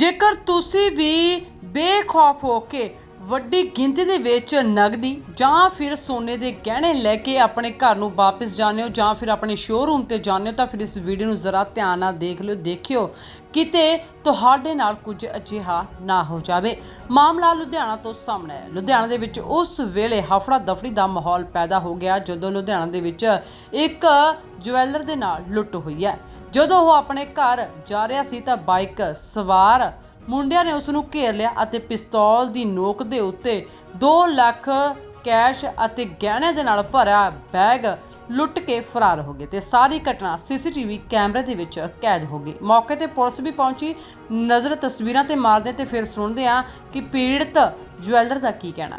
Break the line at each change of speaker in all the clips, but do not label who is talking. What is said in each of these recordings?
ਜੇਕਰ ਤੁਸੀਂ ਵੀ ਬੇਖੌਫ ਹੋ ਕੇ ਵੱਡੀ ਗਿਣਤੀ ਦੇ ਵਿੱਚ ਨਗਦੀ ਜਾਂ ਫਿਰ ਸੋਨੇ ਦੇ ਗਹਿਣੇ ਲੈ ਕੇ ਆਪਣੇ ਘਰ ਨੂੰ ਵਾਪਸ ਜਾਂਦੇ ਹੋ ਜਾਂ ਫਿਰ ਆਪਣੇ ਸ਼ੋਰੂਮ ਤੇ ਜਾਂਦੇ ਹੋ ਤਾਂ ਫਿਰ ਇਸ ਵੀਡੀਓ ਨੂੰ ਜ਼ਰਾ ਧਿਆਨ ਨਾਲ ਦੇਖ ਲਿਓ। ਦੇਖਿਓ ਕਿਤੇ ਤੁਹਾਡੇ ਨਾਲ ਕੁਝ ਅਜਿਹਾ ਨਾ ਹੋ ਜਾਵੇ। ਮਾਮਲਾ ਲੁਧਿਆਣਾ ਤੋਂ ਸਾਹਮਣੇ ਆਇਆ। ਲੁਧਿਆਣਾ ਦੇ ਵਿੱਚ ਉਸ ਵੇਲੇ ਹਫੜਾ ਦਫੜੀ ਦਾ ਮਾਹੌਲ ਪੈਦਾ ਹੋ ਗਿਆ ਜਦੋਂ ਲੁਧਿਆਣਾ ਦੇ ਵਿੱਚ ਇੱਕ ਜਵੈਲਰ ਦੇ ਨਾਲ ਲੁੱਟ ਹੋਈ ਹੈ। ਜਦੋਂ ਉਹ ਆਪਣੇ ਘਰ ਜਾ ਰਿਹਾ ਸੀ ਤਾਂ ਬਾਈਕ ਸਵਾਰ ਮੁੰਡਿਆਂ ਨੇ ਉਸ ਨੂੰ ਘੇਰ ਲਿਆ ਅਤੇ ਪਿਸਤੌਲ ਦੀ ਨੋਕ ਦੇ ਉੱਤੇ 2 ਲੱਖ ਕੈਸ਼ ਅਤੇ ਗਹਿਣਿਆਂ ਦੇ ਨਾਲ ਭਰਿਆ ਬੈਗ ਲੁੱਟ ਕੇ ਫਰਾਰ ਹੋ ਗਏ ਤੇ ਸਾਰੀ ਘਟਨਾ ਸੀਸੀਟੀਵੀ ਕੈਮਰੇ ਦੇ ਵਿੱਚ ਕੈਦ ਹੋ ਗਈ। ਮੌਕੇ ਤੇ ਪੁਲਿਸ ਵੀ ਪਹੁੰਚੀ। ਨਜ਼ਰ ਤਸਵੀਰਾਂ ਤੇ ਮਾਰਦੇ ਤੇ ਫਿਰ ਸੁਣਦੇ ਹਾਂ ਕਿ ਪੀੜਤ ਜਵੈਲਰ ਦਾ ਕੀ ਕਹਿਣਾ।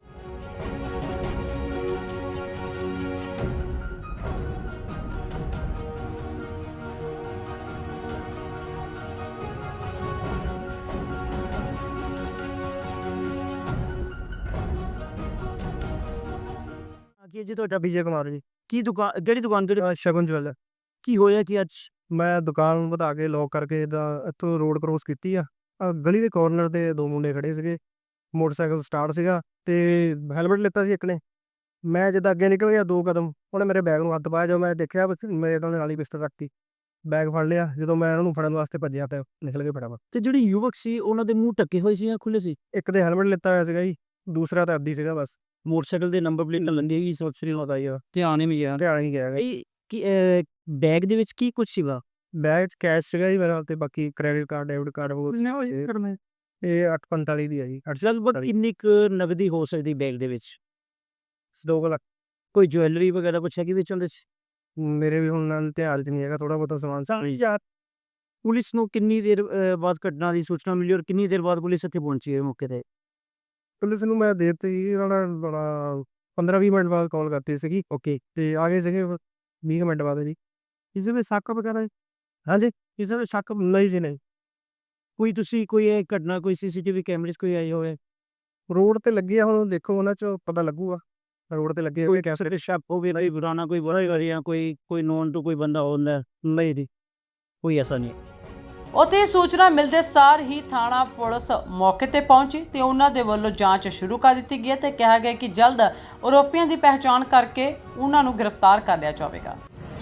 ਕੀ ਜੀ ਤੁਹਾਡਾ ਵਿਜੇ ਕੁਮਾਰ ਜੀ ਕੀ ਦੁਕਾਨ ਕਿਹੜੀ ਦੁਕਾਨ ਕਿਹੜੀ ਸ਼ਗਨ ਜਵੈਲਰ ਕੀ ਹੋਇਆ ਕਿ ਅੱਜ
ਮੈਂ ਦੁਕਾਨ ਵਧਾ ਕੇ ਲੌਕ ਕਰਕੇ ਇੱਥੋਂ ਰੋਡ ਕ੍ਰੋਸ ਕੀਤੀ ਆ ਗਲੀ ਦੇ ਕਾਰਨਰ ਤੇ 2 ਮੁੰਡੇ ਖੜੇ ਸੀਗੇ। ਮੋਟਰਸਾਈਕਲ ਸਟਾਰਟ ਸੀਗਾ ਤੇ ਹੈਲਮਟ ਲਿੱਤਾ ਸੀ ਇੱਕ ਨੇ। ਮੈਂ ਜਦ ਅੱਗੇ ਨਿਕਲ ਗਿਆ 2 ਕਦਮ ਉਹਨੇ ਮੇਰੇ ਬੈਗ ਨੂੰ ਹੱਥ ਪਾਇਆ। ਜਦੋਂ ਮੈਂ ਦੇਖਿਆ ਬਸ ਮੇਰੇ ਤੋਂ ਨਾਲ ਹੀ ਪਿਸਟਲ ਰੱਖਤੀ, ਬੈਗ ਫੜ ਲਿਆ। ਜਦੋਂ ਮੈਂ ਉਹਨੂੰ ਫੜਨ ਵਾਸਤੇ ਭੱਜਿਆ ਤੇ ਨਿਕਲ ਗਏ ਫਟਾਫਟ।
ਤੇ ਜਿਹੜੇ ਯੁਵਕ ਸੀ ਉਹਨਾਂ ਦੇ ਮੂੰਹ ਢੱਕੇ ਹੋਏ ਸੀ ਜਾਂ ਖੁੱਲੇ ਸੀ?
ਇੱਕ ਦੇ ਹੈਲਮਟ ਲਿੱਤਾ ਹੋਇਆ ਸੀਗਾ ਜੀ, ਦੂਸਰਾ ਤਾਂ ਅੱਧੀ ਸੀਗਾ ਬਸ।
ਮੋਟਰਸਾਈਕਲ ਦੇ ਨੰਬਰ ਪਲੇਟ ਲੰਦੀ ਹੈਗੀ ਸੋਚ ਸ੍ਰੀ
ਪਤਾ ਹੀ ਆ,
ਧਿਆਨ ਹੀ ਗਿਆ
ਧਿਆਨ ਹੀ ਗਿਆ।
ਇਹ ਕਿ ਬੈਗ ਦੇ ਵਿੱਚ ਕੀ ਕੁਝ ਸੀਗਾ?
ਬੈਗ 'ਚ ਕੈਸ਼ ਸੀਗਾ ਜੀ ਮੇਰਾ ਤੇ ਬਾਕੀ ਕ੍ਰੈਡਿਟ ਕਾਰਡ ਡੈਬਿਟ ਕਾਰਡ ਇਹ 845 ਦੀ ਆ ਜੀ।
ਚੱਲ ਬਟ ਇੰਨੀ ਕੁ ਨਗਦੀ ਹੋ ਸਕਦੀ ਬੈਗ ਦੇ ਵਿੱਚ?
2 ਲੱਖ।
ਕੋਈ ਜੁਐਲਰੀ ਵਗੈਰਾ ਕੁਛ ਹੈਗੀ ਵਿੱਚ ਉਹਦੇ 'ਚ?
ਮੇਰੇ ਵੀ ਹੁਣ ਨਾਲ ਧਿਆਨ 'ਚ ਨਹੀਂ ਹੈਗਾ, ਥੋੜਾ ਬਹੁਤਾ ਸਮਾਨ ਸੀ।
ਪੁਲਿਸ ਨੂੰ ਕਿੰਨੀ ਦੇਰ ਬਾਅਦ ਘਟਨਾ ਦੀ ਸੂਚਨਾ ਮਿਲੀ ਔਰ ਕਿੰਨੀ ਦੇਰ ਬਾਅਦ ਪੁਲਿਸ ਇੱਥੇ ਪਹੁੰਚੀ ਹੈ ਮੌਕੇ ਤੇ?
ਪੁਲਿਸ ਨੂੰ ਮੈਂ ਦੇ ਦਿੱਤੀ ਸੀ, ਉਹਨਾਂ ਨੇ 15-20 ਮਿੰਟ ਬਾਅਦ ਕਾਲ ਕਰਤੀ ਸੀਗੀ। ਓਕੇ ਤੇ ਆ ਗਏ ਸੀਗੇ 20 ਮਿੰਟ ਬਾਅਦ ਜੀ।
ਕਿਸੇ ਵਿੱਚ ਸ਼ੱਕ ਵਗੈਰਾ?
ਹਾਂਜੀ
ਕਿਸੇ ਵਿੱਚ ਸ਼ੱਕ
ਨਹੀਂ ਜੀ ਨਹੀਂ।
ਕੋਈ ਤੁਸੀਂ ਕੋਈ ਇਹ ਘਟਨਾ ਕੋਈ ਸੀਸੀਟੀਵੀ ਕੈਮਰੇ 'ਚ ਕੋਈ ਆਈ ਹੋਵੇ?
ਰੋਡ ਤੇ ਲੱਗੀ ਆ, ਹੁਣ ਦੇਖੋ ਉਹਨਾਂ 'ਚ ਪਤਾ ਲੱਗੂਗਾ। ਰੋਡ ਤੇ ਲੱਗੇ ਹੋਏ ਕੈਮਰੇ।
ਤੇ ਸ਼ੱਕ ਹੋਵੇ ਨਹੀਂ ਪੁਰਾਣਾ ਕੋਈ ਬੁਰਾ ਕਰਿਆ ਕੋਈ ਨੋਨ ਤੋਂ ਕੋਈ ਬੰਦਾ ਹੁੰਦਾ? ਨਹੀਂ ਜੀ ਕੋਈ ਐਸਾ ਨਹੀਂ।
ਉੱਥੇ ਸੂਚਨਾ ਮਿਲਦੇ ਸਾਰ ਹੀ ਥਾਣਾ ਪੁਲਿਸ ਮੌਕੇ ਤੇ ਪਹੁੰਚੀ ਤੇ ਉਹਨਾਂ ਦੇ ਵੱਲੋਂ ਜਾਂਚ ਸ਼ੁਰੂ ਕਰ ਦਿੱਤੀ ਗਈ ਤੇ ਕਿਹਾ ਗਿਆ ਕਿ ਜਲਦ ਆਰੋਪੀਆਂ ਦੀ ਪਹਿਚਾਣ ਕਰਕੇ ਉਹਨਾਂ ਨੂੰ ਗ੍ਰਿਫਤਾਰ ਕਰ ਲਿਆ ਜਾਵੇਗਾ।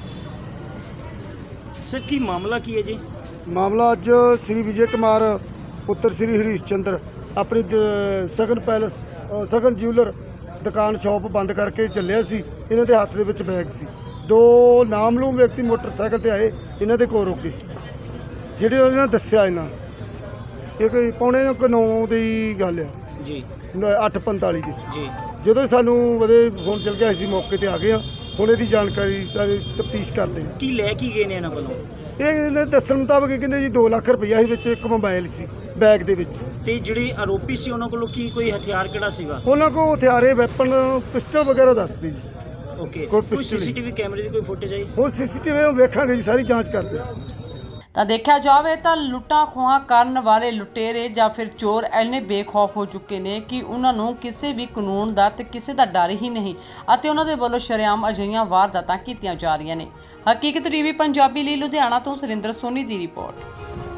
ਸਰ ਕੀ ਮਾਮਲਾ ਕੀ ਹੈ ਜੀ?
ਮਾਮਲਾ ਅੱਜ ਸ੍ਰੀ ਵਿਜੇ ਕੁਮਾਰ ਪੁੱਤਰ ਸ੍ਰੀ ਹਰੀਸ਼ ਚੰਦਰ ਆਪਣੀ ਸਗਨ ਪੈਲਸ ਸਗਨ ਜਿਊਲਰ ਦੁਕਾਨ ਸ਼ਾਪ ਬੰਦ ਕਰਕੇ ਚੱਲਿਆ ਸੀ। ਇਹਨਾਂ ਦੇ ਹੱਥ ਦੇ ਵਿੱਚ ਬੈਗ ਸੀ। 2 ਨਾਮਲੂਮ ਵਿਅਕਤੀ ਮੋਟਰਸਾਈਕਲ ਤੇ ਆਏ, ਇਹਨਾਂ ਦੇ ਕੋਲ ਰੁਕੇ। ਜਿਹੜੇ ਉਹਨਾਂ ਨੇ ਦੱਸਿਆ ਇਹਨਾਂ ਇਹ ਕੋਈ 8:45 ਦੀ ਗੱਲ ਆ
ਜੀ,
8:45 ਦੀ
ਜੀ।
ਜਦੋਂ ਸਾਨੂੰ ਵਧੇ ਫੋਨ ਚੱਲ ਗਿਆ ਸੀ ਮੌਕੇ ਤੇ ਆ ਗਏ ਆ। ਹੁਣ ਇਹਦੀ ਜਾਣਕਾਰੀ ਸਾਰੀ ਤਫਤੀਸ਼ ਕਰਦੇ ਆ।
ਕੀ ਲੈ ਕੇ ਗਏ ਨੇ ਇਹਨਾਂ ਵੱਲੋਂ?
ਇਹ ਇਹਨਾਂ ਦੇ ਦੱਸਣ ਮੁਤਾਬਕ ਇਹ ਕਹਿੰਦੇ ਜੀ 2 ਲੱਖ ਰੁਪਈਆ ਸੀ ਵਿੱਚ, ਇੱਕ ਮੋਬਾਈਲ ਸੀ ਬੈਗ ਦੇ ਵਿੱਚ।
ਤੇ ਜਿਹੜੇ ਆਰੋਪੀ ਸੀ ਉਹਨਾਂ ਕੋਲੋਂ ਕੀ ਕੋਈ ਹਥਿਆਰ ਕਿਹੜਾ ਸੀਗਾ?
ਉਹਨਾਂ ਕੋਲ ਹਥਿਆਰੇ ਵੈਪਨ ਪਿਸਟਲ ਵਗੈਰਾ ਦੱਸਦੇ ਜੀ।
ਓਕੇ,
ਕੋਈ
ਕੋਈ
ਪਿਸਟਲ
ਸੀਸੀਟੀਵੀ ਕੈਮਰੇ ਦੀ ਕੋਈ ਫੁਟੇਜ ਆਈ?
ਹੁਣ ਸੀਸੀਟੀਵੀ ਵੇਖਾਂਗੇ ਜੀ, ਸਾਰੀ ਜਾਂਚ ਕਰਦੇ ਆ।
ਤਾਂ ਦੇਖਿਆ ਜਾਵੇ ਤਾਂ ਲੁੱਟਾਂ ਖੋਹਾਂ ਕਰਨ ਵਾਲੇ ਲੁਟੇਰੇ ਜਾਂ ਫਿਰ ਚੋਰ ਇੰਨੇ ਬੇਖੌਫ ਹੋ ਚੁੱਕੇ ਨੇ ਕਿ ਉਹਨਾਂ ਨੂੰ ਕਿਸੇ ਵੀ ਕਾਨੂੰਨ ਦਾ ਤੇ ਕਿਸੇ ਦਾ ਡਰ ਹੀ ਨਹੀਂ ਅਤੇ ਉਹਨਾਂ ਦੇ ਵੱਲੋਂ ਸ਼ਰੇਆਮ ਅਜਿਹੀਆਂ ਵਾਰਦਾਤਾਂ ਕੀਤੀਆਂ ਜਾ ਰਹੀਆਂ ਨੇ। ਹਕੀਕਤ ਟੀਵੀ ਪੰਜਾਬੀ ਲਈ ਲੁਧਿਆਣਾ ਤੋਂ ਸੁਰਿੰਦਰ ਸੋਨੀ ਦੀ ਰਿਪੋਰਟ।